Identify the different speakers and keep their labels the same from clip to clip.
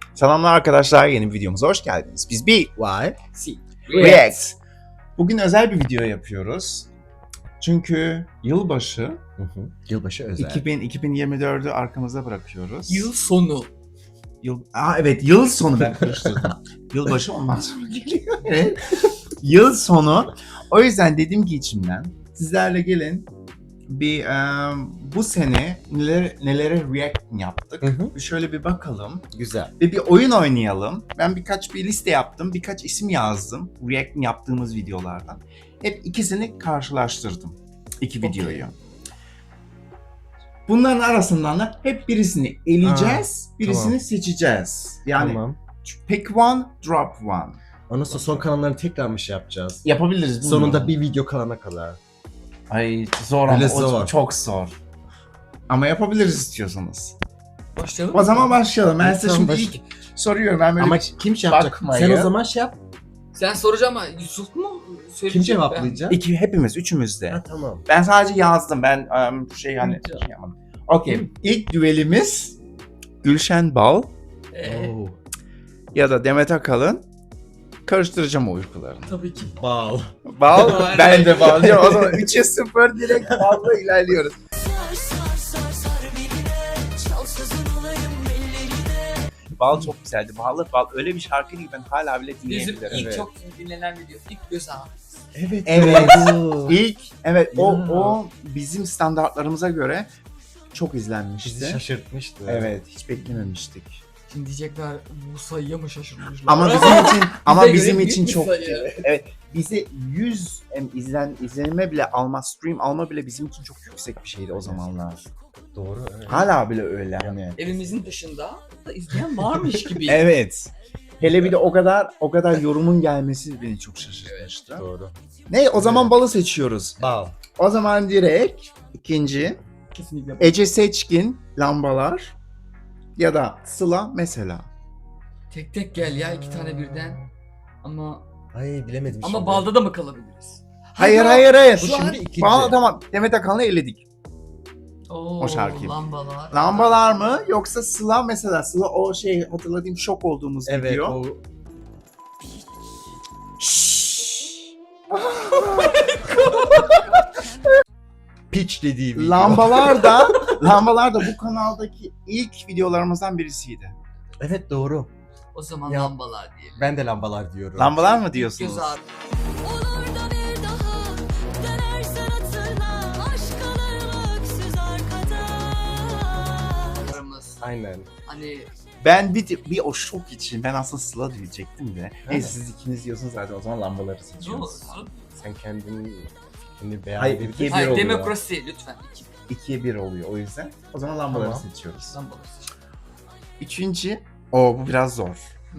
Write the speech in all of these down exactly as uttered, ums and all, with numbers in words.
Speaker 1: Selamlar arkadaşlar, yeni bir videomuza hoş geldiniz. Biz bir
Speaker 2: Why?
Speaker 3: Si.
Speaker 1: React. Bugün özel bir video yapıyoruz. Çünkü yılbaşı,
Speaker 2: Hı hı. Yılbaşı özel.
Speaker 1: iki bin, iki bin yirmi dördü arkamıza bırakıyoruz.
Speaker 3: Yıl sonu.
Speaker 1: Yıl, Aa, evet, yıl sonu ben karıştırdım. Yılbaşı ondan sonra geliyor. Evet. Yıl sonu. O yüzden dedim ki içimden, sizlerle gelin bir um, bu sene neler, nelere react yaptık.
Speaker 2: Hı hı.
Speaker 1: Bir şöyle bir bakalım.
Speaker 2: Güzel.
Speaker 1: Ve bir oyun oynayalım. Ben birkaç bir liste yaptım. Birkaç isim yazdım. React yaptığımız videolardan. Hep ikisini karşılaştırdım. İki
Speaker 3: Okay.
Speaker 1: videoyu. Bunların arasından da hep birisini eleyeceğiz.
Speaker 2: Aa,
Speaker 1: birisini
Speaker 2: tamam.
Speaker 1: seçeceğiz. Yani
Speaker 2: Tamam.
Speaker 1: pick one, drop one.
Speaker 2: Ondan sonra son kalanları tekrar mı şey yapacağız?
Speaker 1: Yapabiliriz. bilmiyorum.
Speaker 2: Sonunda bir video kalana kadar.
Speaker 1: Ay zor ama
Speaker 2: Öyle
Speaker 1: o
Speaker 2: zor.
Speaker 1: çok zor. Ama yapabiliriz istiyorsanız.
Speaker 3: Başlayalım.
Speaker 1: O zaman başlayalım. Ben size
Speaker 2: Tamam,
Speaker 1: şimdi
Speaker 2: baş-
Speaker 1: ilk soruyorum. Ben böyle
Speaker 2: Ama kim şey yapacak?
Speaker 1: bakmayı-
Speaker 2: Sen o zaman şey yap.
Speaker 3: Sen soracağım ama Yusuf mu söyleyecek?
Speaker 2: Kim cevaplayacak?
Speaker 1: iki hepimiz, üçümüz de.
Speaker 2: Ha tamam.
Speaker 1: Ben sadece yazdım. Ben um, şey hani
Speaker 3: Tamam.
Speaker 1: şey yapmadım. Okey. İlk düelimiz Gülşen Bal
Speaker 3: Ee,
Speaker 2: Oo.
Speaker 1: ya da Demet Akalın. Karıştıracağım o uykularını.
Speaker 3: tabii ki.
Speaker 2: Bal.
Speaker 1: Bal,
Speaker 3: Aynen.
Speaker 1: ben de bal diyorum. O zaman üçe sıfır direkt balla ilerliyoruz. Bal çok güzeldi. Ballı bal öyle bir şarkı ki ben hala bile
Speaker 3: Bizim
Speaker 1: dinleyebilirim.
Speaker 3: ilk
Speaker 2: Evet.
Speaker 3: çok dinlenen video. İlk göz ağrısı.
Speaker 2: Evet.
Speaker 1: Evet.
Speaker 2: doğru.
Speaker 1: İlk evet o
Speaker 2: Ya.
Speaker 1: o bizim standartlarımıza göre çok izlenmişti.
Speaker 2: Bizi şaşırtmıştı.
Speaker 1: Evet, hiç beklememiştik.
Speaker 3: Şimdi diyecekler bu sayıya mı şaşırmışlar?
Speaker 1: Ama bizim için ama
Speaker 3: Bize
Speaker 1: bizim
Speaker 3: göre
Speaker 1: için
Speaker 3: büyük bir
Speaker 1: çok
Speaker 3: sayı.
Speaker 1: evet bize yüz em, izlen izlenme bile alma, stream alma bile bizim için çok yüksek bir şeydi o zamanlar.
Speaker 2: Doğru. Evet.
Speaker 1: Hala bile öyle hani.
Speaker 3: Evimizin dışında da izleyen varmış gibi.
Speaker 1: Evet. Hele bir de o kadar o kadar yorumun gelmesi beni çok şaşırtmıştı.
Speaker 2: Doğru.
Speaker 1: Ne o zaman
Speaker 2: Evet.
Speaker 1: balı seçiyoruz.
Speaker 2: Bal.
Speaker 1: O zaman direkt ikinci
Speaker 3: Kesinlikle.
Speaker 1: Ece Seçkin Lambalar ya da Sıla mesela.
Speaker 3: Tek tek gel ya iki tane birden. Ama
Speaker 2: Ay bilemedim
Speaker 3: ama
Speaker 2: şimdi.
Speaker 3: balda da mı kalabiliriz?
Speaker 1: Hayır
Speaker 3: Hadi
Speaker 1: hayır hayır.
Speaker 2: Bu
Speaker 3: Şu an
Speaker 2: şimdi ikinci.
Speaker 1: Bal tamam. Demet Akalın'ı eledik.
Speaker 3: Oo,
Speaker 1: O şarkıyı.
Speaker 3: Lambalar.
Speaker 1: Lambalar mı yoksa Sıla mesela Sıla o şey hatırladığım şok olduğumuz
Speaker 2: Evet
Speaker 1: video.
Speaker 2: o. Pitch dediği video.
Speaker 1: Lambalar da Lambalar da bu kanaldaki ilk videolarımızdan birisiydi.
Speaker 2: Evet doğru.
Speaker 3: O zaman
Speaker 2: Ya.
Speaker 3: lambalar diyelim.
Speaker 2: Ben de lambalar diyorum.
Speaker 1: Lambalar mı
Speaker 3: Göz
Speaker 1: diyorsunuz?
Speaker 3: ağrı.
Speaker 4: Olur da bir daha dönersen hatırla aşk kalır öksüz arkada.
Speaker 3: Aramız.
Speaker 2: Aynen.
Speaker 3: Hani
Speaker 1: Ben bir, bir o şok için ben aslında Sıla diyecektim de. Neyse siz ikiniz diyorsunuz zaten o zaman lambaları
Speaker 3: ne
Speaker 1: seçiyoruz.
Speaker 3: olsun?
Speaker 2: Sen kendini fikrini beyan
Speaker 1: Hayır,
Speaker 2: edebilirsin.
Speaker 1: ikiye bir
Speaker 3: Hayır
Speaker 1: oluyor.
Speaker 3: demokrasi lütfen. İki.
Speaker 1: İkiye bir oluyor o yüzden. O zaman lambaları
Speaker 2: Tamam.
Speaker 1: seçiyoruz.
Speaker 3: Lambalar.
Speaker 1: Üçüncü, o bu biraz zor.
Speaker 3: Hı.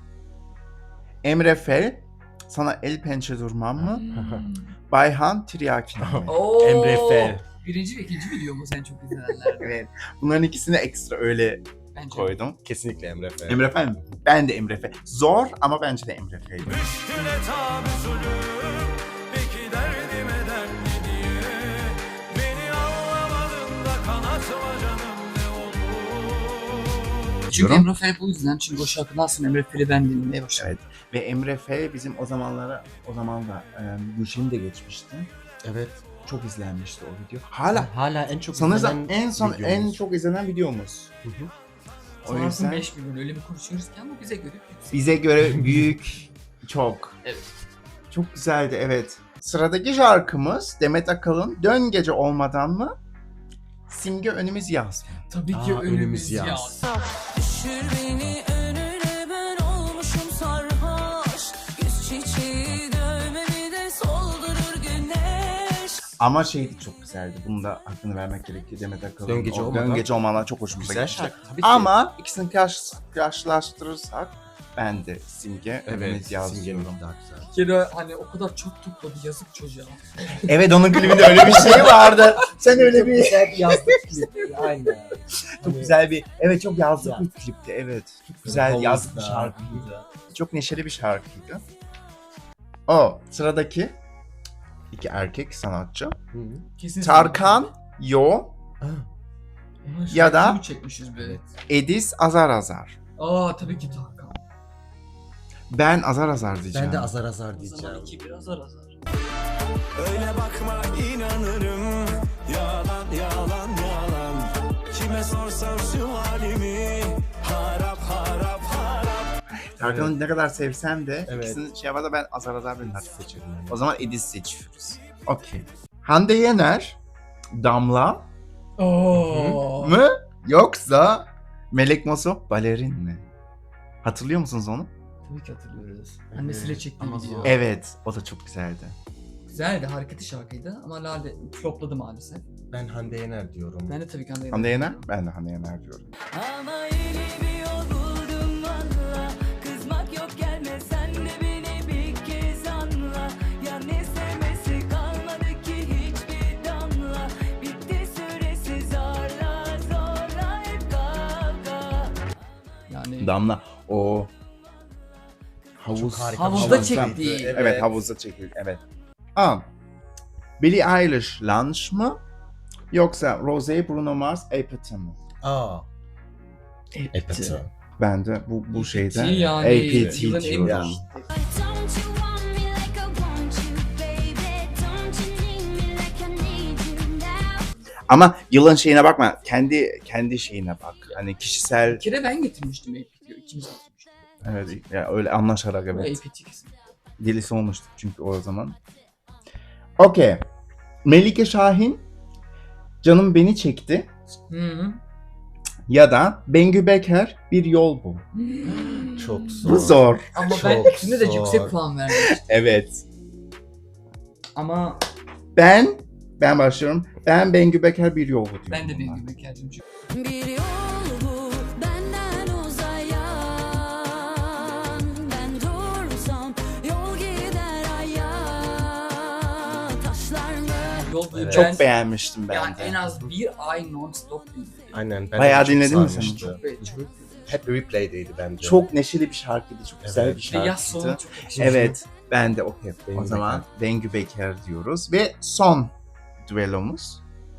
Speaker 1: Emre Fel, sana el pençe durmam mı?
Speaker 3: Hmm.
Speaker 1: Bayhan Tiryakin mi?
Speaker 3: Oo.
Speaker 2: Emre Fel.
Speaker 3: Birinci ve ikinci videomuz en çok izlenenler.
Speaker 1: Evet. Bunların ikisini ekstra öyle
Speaker 3: Bence.
Speaker 1: koydum.
Speaker 2: Kesinlikle Emre Fel.
Speaker 1: Emre Fel mi? Ben de Emre Fel. Zor ama bence de Emre Fel.
Speaker 5: Müşküle tabi zulüm, peki derdim eder ne diye? Beni anlamadın da kanatma canım ne olur?
Speaker 3: Çünkü
Speaker 1: Diyorum.
Speaker 3: Emre Fel bu yüzden. Çünkü o şarkının aslında Emre Fel'i ben dinlemeye başladım.
Speaker 1: Evet. Ve Emre Fel bizim o zamanlara, o zaman da e, Gülşen'i de geçmişti.
Speaker 2: Evet.
Speaker 1: Çok izlenmişti o video. Hala.
Speaker 2: Hala en çok
Speaker 1: Sanırsam
Speaker 2: izlenen
Speaker 1: en son
Speaker 2: videomuz.
Speaker 1: en çok izlenen videomuz.
Speaker 2: Hı hı.
Speaker 1: O
Speaker 3: Sanarsın
Speaker 1: yüzden
Speaker 3: beş milyon öyle mi konuşuyoruz ki ama bize göre yüksek.
Speaker 1: bize göre büyük çok.
Speaker 3: Evet.
Speaker 1: Çok güzeldi evet. Sıradaki şarkımız Demet Akalın Dön Gece Olmadan mı? Simge Önümüz Yaz mı?
Speaker 3: Tabii ki
Speaker 2: Aa,
Speaker 3: önümüz
Speaker 2: önümüz
Speaker 3: yaz.
Speaker 2: yaz.
Speaker 4: Düşür beni önüne ben olmuşum sarhoş. Yüz çiçeği dövmemi de soldurur güneş.
Speaker 1: Ama şeydi çok güzeldi. Bunu da hakkını vermek gerekiyor Demet Akalın.
Speaker 2: Dön Gece
Speaker 1: o
Speaker 2: Olmadan.
Speaker 1: Dön Gece Olmadan çok hoşumuza
Speaker 2: Güzel
Speaker 1: gitmişti.
Speaker 2: şarkı. Tabii ki.
Speaker 1: Ama ikisini karş, karşılaştırırsak ben de Simge
Speaker 2: evet,
Speaker 1: Önümüz Yaz
Speaker 2: Simge'nin
Speaker 1: diyorum.
Speaker 2: daha güzel.
Speaker 3: Bir kere hani o kadar çok topladı yazık çocuğa.
Speaker 1: Evet onun klibinde öyle bir şey vardı. Sen öyle bir
Speaker 2: güzel bir yazlık klibi. Aynen.
Speaker 1: çok güzel bir evet çok yazlık
Speaker 2: Ya.
Speaker 1: bir klipti evet. Çok güzel
Speaker 2: Havuzda.
Speaker 1: yazlık bir şarkıydı. Çok neşeli bir şarkıydı. O sıradaki iki erkek sanatçı.
Speaker 2: Hı.
Speaker 3: Kesin
Speaker 1: Tarkan, Yo,
Speaker 2: Ah,
Speaker 3: Ulan
Speaker 1: ya da-
Speaker 3: şarkıyı mı çekmişiz be?
Speaker 2: evet.
Speaker 1: Edis Azar Azar.
Speaker 3: Aa tabii ki Tarkan.
Speaker 1: Ben azar azar diyeceğim.
Speaker 2: Ben de azar azar
Speaker 3: O
Speaker 2: diyeceğim.
Speaker 3: zaman iki bir azar azar.
Speaker 5: Öyle bakma inanırım. Yalan yalan yalan. Kime sorsam şu halimi. Harap harap harap.
Speaker 1: Tarkan'ı ne kadar sevsem de
Speaker 2: Evet.
Speaker 1: ikisinin şey var da ben azar azar ben
Speaker 2: Seçelim.
Speaker 1: O zaman Edis seçiyoruz. Okey. Hande Yener, Damla
Speaker 3: Oo.
Speaker 1: mı yoksa Melek Mosso balerin mi? Hatırlıyor musunuz onu?
Speaker 3: Tabii ki hatırlıyoruz. Annesiyle çektiği
Speaker 2: ama
Speaker 3: video.
Speaker 2: zor.
Speaker 1: Evet, o da çok güzeldi.
Speaker 3: Güzeldi, hareketli şarkıydı ama Lale flopladı maalesef.
Speaker 2: Ben Hande Yener diyorum.
Speaker 3: Ben de tabii ki Hande
Speaker 1: Hande Yener,
Speaker 3: diyorum.
Speaker 1: ben de Hande Yener diyorum.
Speaker 4: Ama yeni bir yol buldum valla. Kızmak yok gelme sen de beni bir kez anla. Ya ne sevmesi kalmadı ki hiçbir damla. Bitti süresi zorla zorla hep kavga.
Speaker 3: Yani
Speaker 1: Damla, o havuz.
Speaker 2: Çok harika.
Speaker 3: Havuzda
Speaker 1: Havuzda-
Speaker 3: çektiği.
Speaker 2: Evet.
Speaker 1: Evet, havuzda çekildi, evet. Aa, Billie Eilish, Lunch mı? Yoksa Rosé, Bruno Mars, Apathy mı?
Speaker 2: Aa.
Speaker 3: Epti.
Speaker 1: Ben de bu bu şeyde
Speaker 3: yani
Speaker 1: A P T
Speaker 3: yılın en
Speaker 1: diyorum.
Speaker 2: Ya.
Speaker 4: Don't you want me like I want you, baby? Don't you need me like I need you now?
Speaker 1: Ama yılın şeyine bakma, kendi kendi şeyine bak. Hani kişisel,
Speaker 3: Bir kere ben getirmiştim A P T'yi. İkimiz getirmiştik.
Speaker 1: evet, ya öyle anlaşarak
Speaker 3: Bu
Speaker 1: evet.
Speaker 3: A P T kesin.
Speaker 1: Delisi olmuştuk çünkü o zaman. Okey. Melike Şahin, Canım Beni Çekti
Speaker 3: Hı hı.
Speaker 1: ya da Bengü Beker, Bir Yol Bu.
Speaker 2: Çok zor.
Speaker 1: Bu zor.
Speaker 3: Ama
Speaker 2: Çok
Speaker 3: ben ikisine de
Speaker 2: zor.
Speaker 3: yüksek puan vermiştim.
Speaker 1: Evet.
Speaker 3: Ama
Speaker 1: Ben, ben başlıyorum. Ben Bengü Beker, Bir Yol Bu diyorum.
Speaker 3: ben de bir
Speaker 1: buna.
Speaker 3: gibi kendim çünkü.
Speaker 4: Bir yol bu benden uzayan. Ben dursam yol gider aya. Taşlar mı?
Speaker 3: Yol boyu
Speaker 2: Evet.
Speaker 3: ben
Speaker 1: Çok beğenmiştim ben
Speaker 3: yani
Speaker 1: de.
Speaker 3: en az bir ay non-stop dinledim.
Speaker 2: Aynen. Ben
Speaker 1: Bayağı
Speaker 2: de çok
Speaker 1: dinledin mi sen?
Speaker 2: sarmıştı.
Speaker 3: Çok be- çok.
Speaker 2: Hep replay'deydi bence.
Speaker 1: Çok neşeli bir şarkıydı, çok güzel
Speaker 2: Evet.
Speaker 1: bir
Speaker 3: İşte yaz sonu
Speaker 1: şarkıydı.
Speaker 3: çok yakışıyor.
Speaker 1: Evet, ben de okey. O
Speaker 2: Bengü
Speaker 1: zaman Bengü Beker diyoruz ve son düellomuz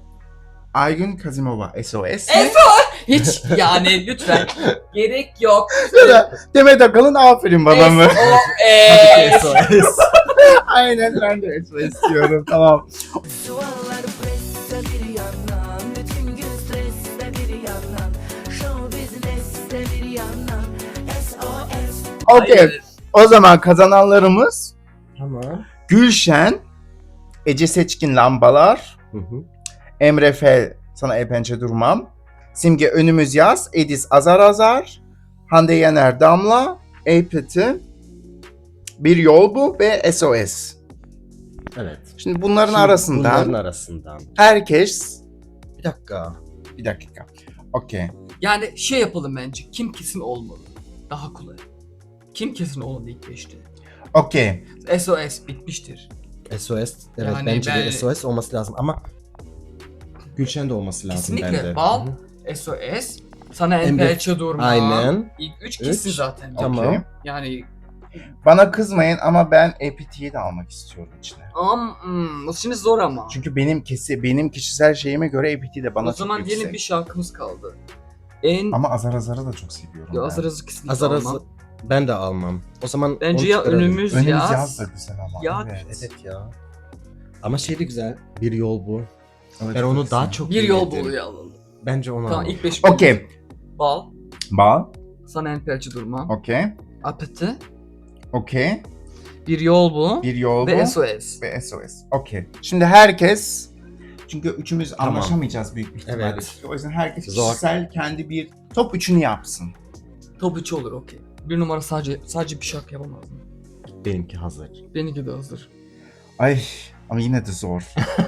Speaker 1: Aygün Kazimova, S O S.
Speaker 3: S Hiç yani lütfen gerek yok.
Speaker 1: Ya da Demet Akalın Aferin Bana mı?
Speaker 3: S O S.
Speaker 2: S O S.
Speaker 1: Aynen, ben de S O S diyorum, tamam.
Speaker 4: Duvarlar presse bir yandan. Bütün gün streste bir yandan. Show business'te bir yandan. S O S.
Speaker 1: Okey,
Speaker 3: Hayır.
Speaker 1: o zaman kazananlarımız
Speaker 2: Tamam.
Speaker 1: Gülşen, Ece Seçkin Lambalar,
Speaker 2: Hı hı.
Speaker 1: Emre Fel Sana El Pençe Durmam, Simge Önümüz Yaz, Edis Azar Azar, Hande Yener Damla, Apathy, Bir Yol Bu ve S O S.
Speaker 2: Evet.
Speaker 1: Şimdi bunların
Speaker 2: Şimdi
Speaker 1: arasından
Speaker 2: Bunların arasından.
Speaker 1: herkes...
Speaker 2: Bir dakika.
Speaker 1: Bir dakika. Okey.
Speaker 3: Yani şey yapalım bence. Kim kesin olmalı? Daha kolay. Kim kesin olmalı ilk beşte?
Speaker 1: Okey.
Speaker 3: S O S bitmiştir.
Speaker 2: S O S. Evet
Speaker 3: Yani
Speaker 2: bence
Speaker 3: ben-
Speaker 2: de S O S olması lazım ama Gülşen de olması lazım
Speaker 3: Kesinlikle.
Speaker 2: bende.
Speaker 3: Bal,
Speaker 2: Hı hı.
Speaker 3: S O S, Sana En
Speaker 2: Emre-
Speaker 3: Pençe Durma.
Speaker 2: Aynen.
Speaker 3: İlk üç kesin
Speaker 2: Üç.
Speaker 3: zaten.
Speaker 2: Tamam.
Speaker 1: Okey.
Speaker 3: Yani
Speaker 1: Bana kızmayın ama ben Apathy'yi de almak istiyorum içine.
Speaker 3: am, hmm, bu şimdi zor ama.
Speaker 1: Çünkü benim kesi benim kişisel şeyime göre Apathy de bana
Speaker 3: o
Speaker 1: çok
Speaker 3: zaman
Speaker 1: yüksek.
Speaker 3: diyelim bir şarkımız kaldı. En
Speaker 1: Ama Azar Azar'ı da çok seviyorum
Speaker 3: ya
Speaker 1: ben.
Speaker 3: azar azar kesinlikle
Speaker 2: Azar
Speaker 3: almam.
Speaker 2: azar. Ben de almam. O zaman
Speaker 3: Bence
Speaker 2: onu
Speaker 3: ya
Speaker 2: çıkaralım.
Speaker 3: önümüz,
Speaker 1: Önümüz
Speaker 3: yaz.
Speaker 1: yaz da güzel ama.
Speaker 3: Ya-
Speaker 1: evet.
Speaker 2: Evet ya. Ama şey de güzel. Bir yol bu.
Speaker 1: Evet,
Speaker 2: Ben onu
Speaker 1: çok
Speaker 2: daha
Speaker 1: güzel.
Speaker 2: çok
Speaker 3: Bir yol
Speaker 2: dinledim.
Speaker 3: buluyor alalım.
Speaker 2: Bence onu
Speaker 3: Tamam
Speaker 2: alalım.
Speaker 3: ilk beş.
Speaker 1: Okey.
Speaker 3: Bal,
Speaker 1: Bal.
Speaker 3: Sana En Pençe Durma,
Speaker 1: Okey.
Speaker 3: Apathy,
Speaker 1: Okey.
Speaker 3: Bir Yol Bu
Speaker 1: Bir yol
Speaker 3: ve
Speaker 1: bu.
Speaker 3: S O S.
Speaker 1: Ve S O S. Okey. Şimdi herkes, çünkü üçümüz
Speaker 2: Tamam.
Speaker 1: anlaşamayacağız büyük bir ihtimalle.
Speaker 2: Evet.
Speaker 1: O yüzden herkes
Speaker 2: Zor.
Speaker 1: kişisel kendi bir top üçünü yapsın.
Speaker 3: Top üç olur okey. Bir numara sadece sadece bir şarkı yapamaz mı?
Speaker 2: Benimki hazır.
Speaker 3: Benimki de hazır.
Speaker 1: Ay ama yine de zor.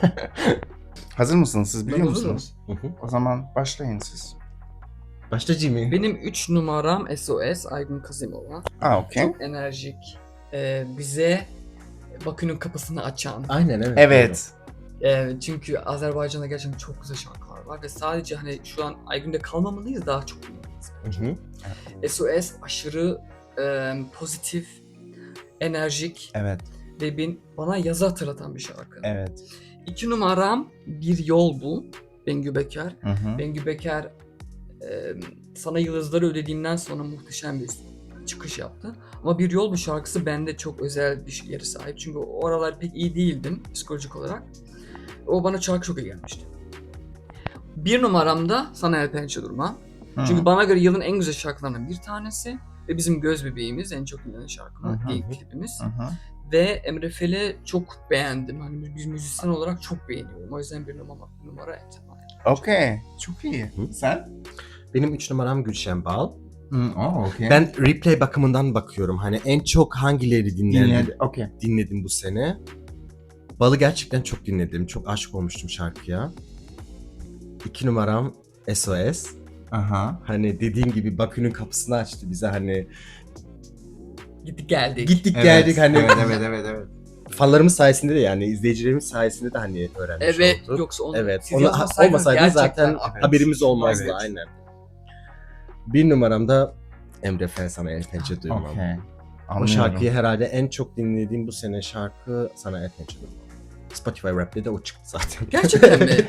Speaker 1: Hazır mısınız? Siz biliyor
Speaker 3: Ben hazırım.
Speaker 1: musunuz?
Speaker 2: Hı hı.
Speaker 1: O zaman başlayın siz.
Speaker 2: Başta Jimmy.
Speaker 3: Benim üç numaram S O S, Aygün Kazimova.
Speaker 1: Aa okey.
Speaker 3: Çok enerjik. Ee, bize Bakü'nün kapısını açan.
Speaker 2: Aynen evet.
Speaker 1: Evet.
Speaker 3: Ee, çünkü Azerbaycan'da gerçekten çok güzel şarkılar var ve sadece hani şu an Aygün'de kalmamalıyız, daha çok dinlemeliyiz.
Speaker 2: Hı hı.
Speaker 3: S O S aşırı e, pozitif, enerjik
Speaker 1: Evet.
Speaker 3: ve bin, bana yazı hatırlatan bir şarkı.
Speaker 1: Evet.
Speaker 3: İki numaram Bir Yol Bu, Bengü Beker.
Speaker 1: Hı hı.
Speaker 3: Bengü Beker e, e, Sana Yıldızları Ödediğimden sonra muhteşem bir çıkış yaptı. Ama Bir Yol Bu şarkısı bende çok özel bir yere sahip. Çünkü o aralar pek iyi değildim psikolojik olarak. O bana şarkı çok iyi gelmişti. Bir numaramda Sana El Pençe Durma.
Speaker 1: Hı.
Speaker 3: Çünkü bana göre yılın en güzel şarkılarından bir tanesi. Ve bizim göz bebeğimiz, en çok dinlenen şarkımız,
Speaker 1: Hı hı.
Speaker 3: ilk klibimiz.
Speaker 1: Hı hı.
Speaker 3: Ve Emre Fel'i çok beğendim. Hani bir müzisyen olarak çok beğeniyorum. O yüzden bir numara, bir numara Emre.
Speaker 1: Okey. Çok iyi.
Speaker 2: Hı.
Speaker 1: Sen?
Speaker 2: Benim üç numaram Gülşen Bal.
Speaker 1: Hı, oh, okey.
Speaker 2: Ben replay bakımından bakıyorum. Hani en çok hangileri dinledim,
Speaker 1: dinledim. Okey.
Speaker 2: dinledim bu sene. Bal'ı gerçekten çok dinledim. Çok aşık olmuştum şarkıya. İki numaram S O S.
Speaker 1: Aha.
Speaker 2: Hani dediğim gibi Bakü'nün kapısını açtı bize, hani
Speaker 3: Gittik geldik.
Speaker 2: gittik
Speaker 1: Evet,
Speaker 2: geldik hani
Speaker 1: Evet, evet, evet, evet.
Speaker 2: fanlarımız sayesinde de, yani izleyicilerimiz sayesinde de hani öğrenmiş
Speaker 3: Evet,
Speaker 2: olduk.
Speaker 3: yoksa onu
Speaker 2: Evet.
Speaker 3: siz
Speaker 2: Onu
Speaker 3: yazmasaydınız
Speaker 2: olmasaydı
Speaker 3: gerçekten
Speaker 2: zaten
Speaker 3: evet.
Speaker 2: haberimiz olmazdı,
Speaker 1: Evet.
Speaker 2: aynen. Bir numaram da Emre Fel, Sana El Pençe Duymam.
Speaker 1: Okey.
Speaker 2: O
Speaker 1: Anlıyorum.
Speaker 2: şarkıyı herhalde en çok dinlediğim bu sene şarkı Sana El Pençe Duymam. Spotify Rap'te de o çıktı zaten.
Speaker 3: Gerçekten mi?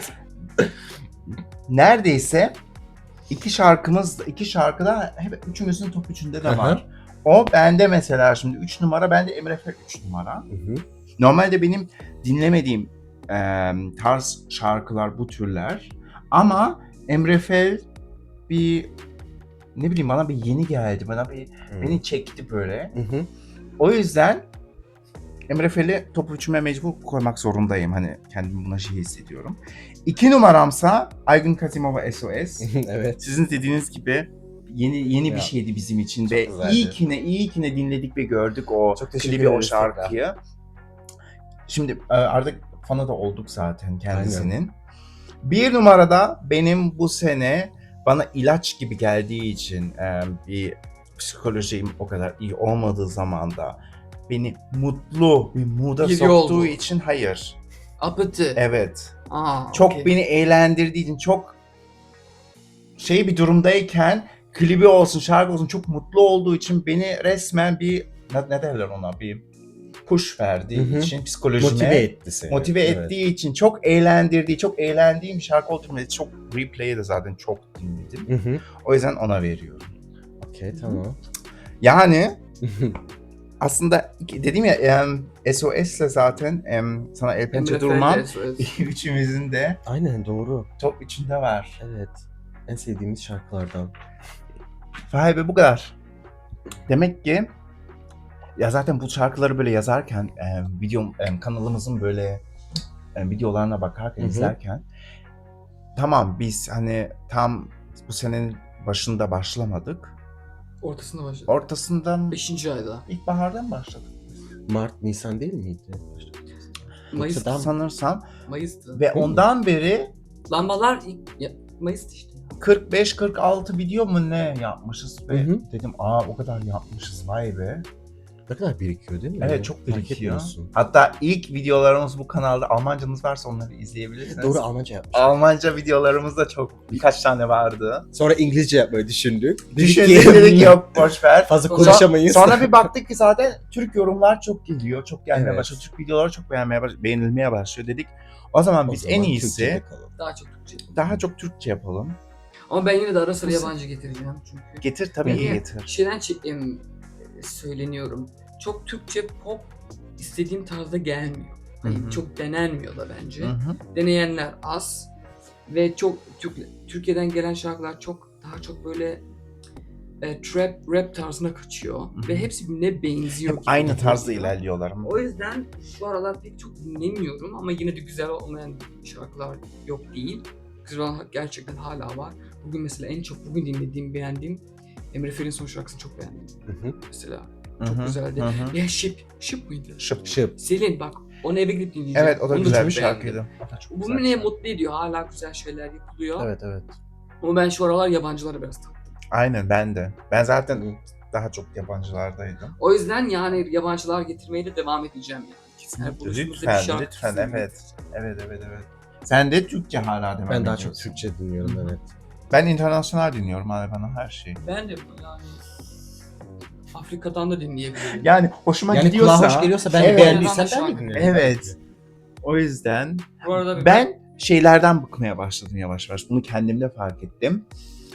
Speaker 1: Neredeyse iki şarkımız, iki şarkıda hep üçümüzün top üçünde de
Speaker 2: Hı hı.
Speaker 1: var. O bende mesela şimdi üç numara, bende Emre Fel üç numara.
Speaker 2: Hı hı.
Speaker 1: Normalde benim dinlemediğim e, tarz şarkılar bu türler. Ama Emre Fel bir, ne bileyim, bana bir yeni geldi. Bana bir
Speaker 2: Hı.
Speaker 1: beni çekti böyle.
Speaker 2: Hı hı.
Speaker 1: O yüzden Emre Fel'i top üçüme mecbur koymak zorundayım. Hani kendimi buna şey hissediyorum. İki numaramsa Aygün Kasimova S O S.
Speaker 2: Evet.
Speaker 1: Sizin dediğiniz gibi yeni yeni bir
Speaker 2: Ya,
Speaker 1: şeydi bizim için
Speaker 2: çok
Speaker 1: ve
Speaker 2: güzeldi.
Speaker 1: iyi ki ne iyi ki ne dinledik ve gördük o
Speaker 2: Çok teşekkür
Speaker 1: klibi, o
Speaker 2: ederiz
Speaker 1: şarkıyı. Şimdi e, artık fanı da olduk zaten kendisinin. Bir numarada benim bu sene bana ilaç gibi geldiği için e, bir psikolojim o kadar iyi olmadığı zamanda beni mutlu bir mood'a
Speaker 3: Bir
Speaker 1: soktuğu
Speaker 3: yol bu.
Speaker 1: için hayır.
Speaker 3: Apıtı.
Speaker 1: Evet.
Speaker 3: Aa,
Speaker 1: Çok
Speaker 3: okey.
Speaker 1: beni eğlendirdiği için, çok şey bir durumdayken klibi olsun, şarkı olsun çok mutlu olduğu için beni resmen bir ne, ne derler ona, bir push verdiği
Speaker 2: Hı hı.
Speaker 1: için psikolojime
Speaker 2: Motive etti seni.
Speaker 1: motive
Speaker 2: Evet.
Speaker 1: ettiği için, çok eğlendirdiği, çok eğlendiğim bir şarkı olduğu için çok replay'i de zaten çok dinledim.
Speaker 2: Hı hı.
Speaker 1: O yüzden ona veriyorum.
Speaker 2: Okey, tamam.
Speaker 1: Yani aslında iki- dedim ya em, S O S'le zaten em, Sana El Pençe
Speaker 3: Emre Fel
Speaker 1: Durmam
Speaker 3: de S O S.
Speaker 1: üçümüzün de
Speaker 2: Aynen, doğru.
Speaker 1: top üçünde var.
Speaker 2: Evet. En sevdiğimiz şarkılardan.
Speaker 1: Vay be, bu kadar. Demek ki ya zaten bu şarkıları böyle yazarken e, video e, kanalımızın böyle e, videolarına bakarken,
Speaker 2: Hı hı.
Speaker 1: izlerken tamam biz hani tam bu senenin başında başlamadık.
Speaker 3: Ortasında başladı.
Speaker 1: Ortasından
Speaker 3: Beşinci ayda.
Speaker 1: ilkbahardan başladık.
Speaker 2: Mart, Nisan değil miydi?
Speaker 3: Mayıs,
Speaker 2: Yoksa daha-
Speaker 1: Sanırsam
Speaker 3: Mayıs'tı.
Speaker 1: ve ondan beri
Speaker 3: Lambalar ilk... Ya, Mayıs'tı işte.
Speaker 1: kırk beş kırk altı video mu ne yapmışız ve
Speaker 2: Hı hı.
Speaker 1: dedim aa o kadar yapmışız, vay be.
Speaker 2: Ne kadar birikiyor değil mi?
Speaker 1: Evet, çok
Speaker 2: Fark
Speaker 1: birikiyor.
Speaker 2: etmiyorsun.
Speaker 1: Hatta ilk videolarımız bu kanalda, Almancanız varsa onları izleyebilirsiniz.
Speaker 2: Doğru, Almanca yapmış.
Speaker 1: Almanca videolarımız da çok, birkaç tane vardı.
Speaker 2: Sonra İngilizce yapmayı düşündük.
Speaker 1: Düşündük, dedik yok boş ver.
Speaker 2: Fazla
Speaker 3: Sonra-
Speaker 2: konuşamayız.
Speaker 1: Sonra bir baktık ki zaten Türk yorumlar çok geliyor, çok gelmeye
Speaker 2: Evet.
Speaker 1: başlıyor. Türk videoları çok beğenmeye baş- beğenilmeye başlıyor dedik. O zaman
Speaker 2: O
Speaker 1: biz
Speaker 2: zaman
Speaker 1: en iyisi
Speaker 2: Türkçe'de kalalım.
Speaker 3: Daha çok Türkçe yapalım.
Speaker 1: daha çok Türkçe yapalım.
Speaker 3: Ama ben yine de ara sıra
Speaker 1: Bu-
Speaker 3: yabancı getireceğim çünkü.
Speaker 1: Getir tabii ki
Speaker 3: Niye?
Speaker 1: getir.
Speaker 3: Şeyden çek- em, söyleniyorum. Çok Türkçe pop istediğim tarzda gelmiyor. Hani
Speaker 1: Hı hı.
Speaker 3: çok denenmiyor da bence.
Speaker 1: Hı hı.
Speaker 3: Deneyenler az ve çok Türk, Türkiye'den gelen şarkılar çok daha çok böyle e, trap rap tarzına kaçıyor
Speaker 1: hı.
Speaker 3: ve hepsi birbirine benziyor.
Speaker 1: Hep
Speaker 3: gibi
Speaker 1: aynı tarzda
Speaker 3: geliyor.
Speaker 1: ilerliyorlar.
Speaker 3: O yüzden şu aralar pek çok dinlemiyorum ama yine de güzel olmayan şarkılar yok değil. Güzel olan gerçekten hala var. Bugün mesela en çok bugün dinlediğim, beğendiğim Emre Fel'in son şarkısını çok beğendim
Speaker 2: Hı hı.
Speaker 3: mesela.
Speaker 1: Hı
Speaker 3: Çok
Speaker 1: hı,
Speaker 3: güzeldi.
Speaker 1: hı hı.
Speaker 3: Ya Şıp, Şıp mıydı?
Speaker 1: Şıp.
Speaker 2: Şıp.
Speaker 3: Selin bak onu eve gidip dinleyeceğim.
Speaker 1: Evet, o da
Speaker 3: Onu
Speaker 1: güzel
Speaker 3: çok
Speaker 1: bir
Speaker 3: beğendim.
Speaker 1: şarkıydı. O da çok
Speaker 3: Bu
Speaker 1: güzel bir
Speaker 3: beni
Speaker 1: şarkı.
Speaker 3: mutlu ediyor. Hala güzel şeyler yapılıyor.
Speaker 2: Evet, evet.
Speaker 3: Ama ben şu aralar yabancılara biraz taktım.
Speaker 1: Aynen, ben de. Ben zaten daha çok yabancılardaydım.
Speaker 3: O yüzden yani yabancılar getirmeye de devam edeceğim yani. Yani buluşumuzda bir
Speaker 1: Lütfen,
Speaker 3: şarkı
Speaker 1: lütfen,
Speaker 3: kesin
Speaker 1: evet. Evet, evet, evet. Sen de Türkçe hala devam
Speaker 2: Ben daha çok
Speaker 1: ediyorsun.
Speaker 2: Türkçe dinliyorum,
Speaker 1: Hı hı.
Speaker 2: evet.
Speaker 1: Ben internasyonel dinliyorum abi, bana her şey.
Speaker 3: Ben de bu yani Afrika'dan da dinleyebilirim.
Speaker 1: Yani hoşuma
Speaker 2: Yani
Speaker 1: gidiyorsa...
Speaker 2: kulağa hoş geliyorsa, ben
Speaker 1: Evet.
Speaker 2: beğendiysem ben
Speaker 3: Şarkı.
Speaker 2: de dinlerim.
Speaker 1: Evet. O yüzden
Speaker 3: Bu arada
Speaker 1: ben şeylerden bıkmaya başladım yavaş yavaş. Bunu kendimde fark ettim.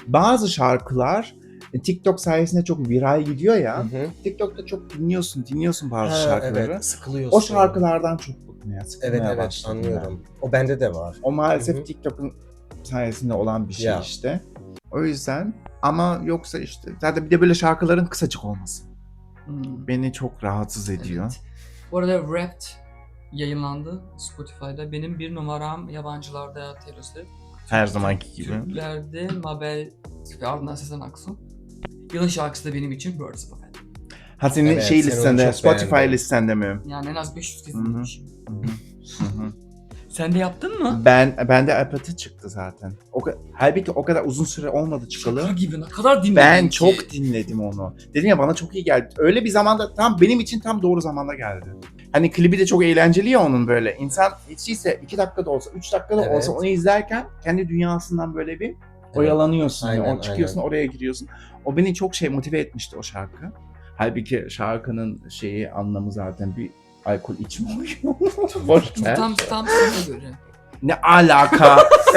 Speaker 1: bazı şarkılar e, TikTok sayesinde çok viral gidiyor ya.
Speaker 2: Hı hı.
Speaker 1: TikTok'ta çok dinliyorsun, dinliyorsun bazı
Speaker 2: Ha,
Speaker 1: şarkıları.
Speaker 2: evet, sıkılıyorsun.
Speaker 1: O şarkılardan çok bıkmaya, sıkılmaya
Speaker 2: Evet evet
Speaker 1: başladım ben.
Speaker 2: anlıyorum. O bende de var.
Speaker 1: O maalesef
Speaker 2: Hı hı.
Speaker 1: TikTok'un sayesinde olan bir şey
Speaker 2: Ya.
Speaker 1: işte. O yüzden ama yoksa işte zaten bir de böyle şarkıların kısacık olması
Speaker 3: Hmm.
Speaker 1: beni çok rahatsız ediyor.
Speaker 3: Evet. Bu arada Wrapped yayınlandı Spotify'da. Benim bir numaram yabancılarda Taylor Swift.
Speaker 1: Her zamanki gibi.
Speaker 3: Türklerde Mabel ve ardından Sezen Aksu. Yılın şarkısı da benim için Birds of a Feather.
Speaker 1: Ha senin
Speaker 2: Evet,
Speaker 1: şey
Speaker 2: sen onu
Speaker 1: listende,
Speaker 2: çok
Speaker 1: Spotify
Speaker 2: beğendin.
Speaker 1: listende mi?
Speaker 3: Yani en az beş yüz kez
Speaker 1: Hı hı.
Speaker 3: dinlemişim.
Speaker 1: Hı hı. Hı hı.
Speaker 3: Sen de yaptın mı?
Speaker 1: Ben bende apatı çıktı zaten. O ka- halbuki o kadar uzun süre olmadı çıkalı.
Speaker 3: Şaka gibi ne kadar dinledin
Speaker 1: Ben
Speaker 3: ki?
Speaker 1: çok dinledim onu. Dedim ya bana çok iyi geldi. Öyle bir zamanda tam benim için tam doğru zamanda geldi. Hani klibi de çok eğlenceli ya onun böyle. İnsan hiç değilse iki dakikada olsa, üç dakikada
Speaker 2: Evet.
Speaker 1: olsa onu izlerken kendi dünyasından böyle bir oyalanıyorsun. Yani.
Speaker 2: Aynen,
Speaker 1: O çıkıyorsun
Speaker 2: aynen.
Speaker 1: oraya giriyorsun. O beni çok şey motive etmişti o şarkı. Halbuki şarkının şeyi anlamı zaten bir alkol içme oyunu. Boş ver.
Speaker 3: Tam, tam sana göre.
Speaker 1: Ne alaka?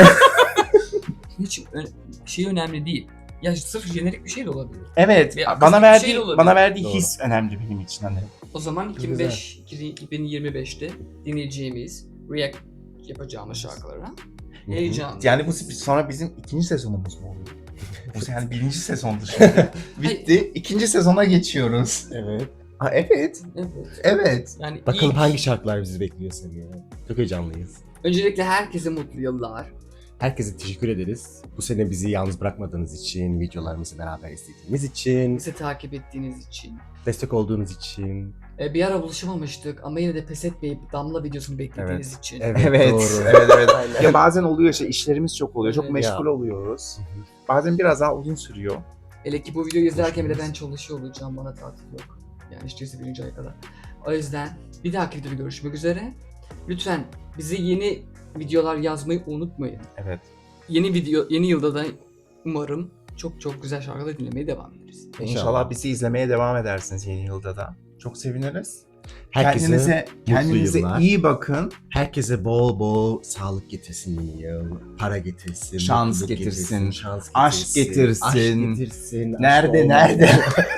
Speaker 3: Hiç ö- şey önemli değil. Ya sırf jenerik bir şey de olabilir.
Speaker 1: Evet,
Speaker 3: Bir akıslık
Speaker 1: bana
Speaker 3: bir
Speaker 1: verdiği
Speaker 3: şey de olabilir.
Speaker 1: bana verdiği
Speaker 2: Doğru.
Speaker 1: his önemli benim için hani.
Speaker 3: O zaman iki bin beş, iki bin yirmi beşte dinleyeceğimiz, react yapacağımız şarkılara heyecanlı.
Speaker 1: Yani bu sonra bizim ikinci sezonumuz mu oluyor? Bu yani birinci sezondu şimdi. Bitti. İkinci sezona geçiyoruz.
Speaker 2: Evet.
Speaker 1: Ha, evet.
Speaker 3: Evet.
Speaker 1: Evet.
Speaker 3: Yani
Speaker 2: Bakalım
Speaker 3: ilk-
Speaker 2: hangi şarkılar bizi bekliyor seni. Çok heyecanlıyız.
Speaker 3: Öncelikle herkese mutlu yıllar.
Speaker 2: Herkese teşekkür ederiz. Bu sene bizi yalnız bırakmadığınız için, videolarımızı beraber izlediğiniz için,
Speaker 3: Bizi takip ettiğiniz için.
Speaker 2: destek olduğunuz için.
Speaker 3: Ee, bir ara buluşamamıştık ama yine de pes etmeyip Damla videosunu beklediğiniz için.
Speaker 2: Evet,
Speaker 1: Evet.
Speaker 2: doğru.
Speaker 1: Evet evet.
Speaker 2: Aynen.
Speaker 1: Ya bazen oluyor işte işlerimiz çok oluyor. Çok
Speaker 3: Evet.
Speaker 1: meşgul
Speaker 2: Ya.
Speaker 1: oluyoruz. Bazen biraz daha uzun sürüyor.
Speaker 3: Hele ki bu videoyu izlerken bile ben
Speaker 2: Hoşçakalın.
Speaker 3: çalışıyor olacağım, bana tatil yok. Yani işte birinci ay kadar. O yüzden bir dahaki videoda görüşmek üzere. Lütfen bize yeni videolar yazmayı unutmayın.
Speaker 1: Evet.
Speaker 3: Yeni video, yeni yılda da umarım çok çok güzel şarkılar dinlemeye devam ederiz.
Speaker 1: İnşallah,
Speaker 2: İnşallah.
Speaker 1: bizi izlemeye devam edersiniz yeni yılda da. Çok seviniriz.
Speaker 2: Herkese
Speaker 1: kendinize kendinize
Speaker 2: yıllar.
Speaker 1: iyi bakın.
Speaker 2: Herkese bol bol sağlık getirsin yeni yıl. Para getirsin.
Speaker 1: Şans
Speaker 2: mutluluk
Speaker 1: getirsin,
Speaker 2: şans
Speaker 1: aşk getirsin.
Speaker 2: Aşk getirsin. aşk
Speaker 1: Nerede,
Speaker 2: olmadı.
Speaker 1: nerede?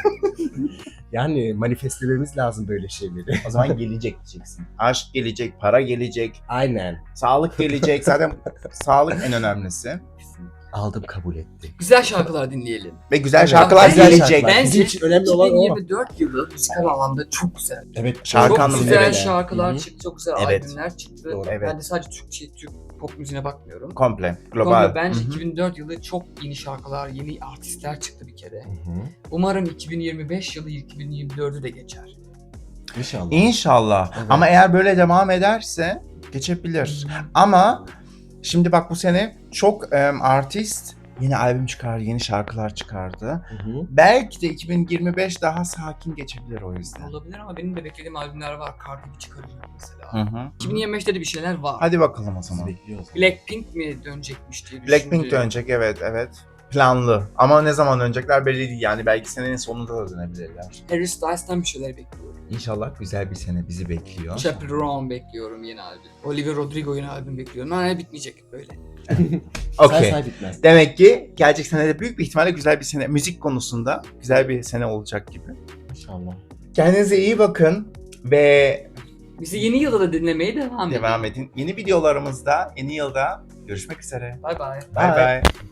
Speaker 2: Yani manifestlememiz lazım böyle şeyleri.
Speaker 1: O zaman gelecek diyeceksin. Aşk gelecek, para gelecek,
Speaker 2: Aynen.
Speaker 1: sağlık gelecek. Zaten sağlık en önemlisi.
Speaker 2: Aldım, kabul ettim.
Speaker 3: Güzel şarkılar dinleyelim.
Speaker 1: Ve güzel
Speaker 2: Evet.
Speaker 1: şarkılar
Speaker 3: Güzel
Speaker 1: gelecek.
Speaker 2: şarkılar.
Speaker 3: Bence
Speaker 2: Bizim için önemli olan o.
Speaker 3: iki bin yirmi dört yılı müzikal alanda çok güzel.
Speaker 2: Evet.
Speaker 1: Şarkı
Speaker 3: çok
Speaker 1: anlamında
Speaker 3: güzel
Speaker 1: evet.
Speaker 3: şarkılar
Speaker 2: Hı-hı.
Speaker 3: çıktı, çok güzel
Speaker 1: Evet.
Speaker 3: albümler çıktı.
Speaker 2: Doğru.
Speaker 1: Evet.
Speaker 3: Ben de sadece Türkçe, Türk pop müziğine bakmıyorum.
Speaker 1: Komple,
Speaker 3: Global.
Speaker 1: global.
Speaker 3: Bence
Speaker 1: Hı hı.
Speaker 3: iki bin dört yılı çok yeni şarkılar, yeni artistler çıktı bir kere.
Speaker 2: Hı hı.
Speaker 3: Umarım iki bin yirmi beş yılı iki bin yirmi dördü de geçer.
Speaker 2: İnşallah.
Speaker 1: İnşallah.
Speaker 2: Evet.
Speaker 1: Ama eğer böyle devam ederse geçebilir. Ama şimdi bak bu sene çok em, artist yeni albüm çıkardı, yeni şarkılar çıkardı.
Speaker 2: Hı hı.
Speaker 1: Belki de iki bin yirmi beş daha sakin geçebilir o yüzden.
Speaker 3: Olabilir ama benim de beklediğim albümler var. Cardi B çıkaracak mesela.
Speaker 1: Hı hı.
Speaker 3: iki bin yirmi beşte de bir şeyler var.
Speaker 1: Hadi bakalım o
Speaker 2: Sizi
Speaker 1: zaman.
Speaker 2: bekliyoruz.
Speaker 3: Blackpink mi dönecekmiş diye
Speaker 1: Blackpink
Speaker 3: düşündüm.
Speaker 1: dönecek, evet evet. Planlı. Ama ne zaman dönecekler belli değil yani. Belki senenin sonunda da dönebilirler.
Speaker 3: Harry Styles'tan bir şeyler bekliyorum.
Speaker 1: İnşallah güzel bir sene bizi bekliyor.
Speaker 3: Chaperone bekliyorum yeni albüm. Olivia Rodrigo yeni albüm bekliyorum. Hala bitmeyecek böyle.
Speaker 1: Okey.
Speaker 2: Say say bitmez.
Speaker 1: Demek ki gelecek sene de büyük bir ihtimalle güzel bir sene, müzik konusunda güzel bir sene olacak gibi.
Speaker 2: İnşallah.
Speaker 1: Kendinize iyi bakın ve
Speaker 3: Bizi yeni yılda da dinlemeye devam edin.
Speaker 1: devam edin. Yeni videolarımızda, yeni yılda görüşmek üzere.
Speaker 3: Bye bye.
Speaker 1: Bye
Speaker 2: Bye.
Speaker 1: bye.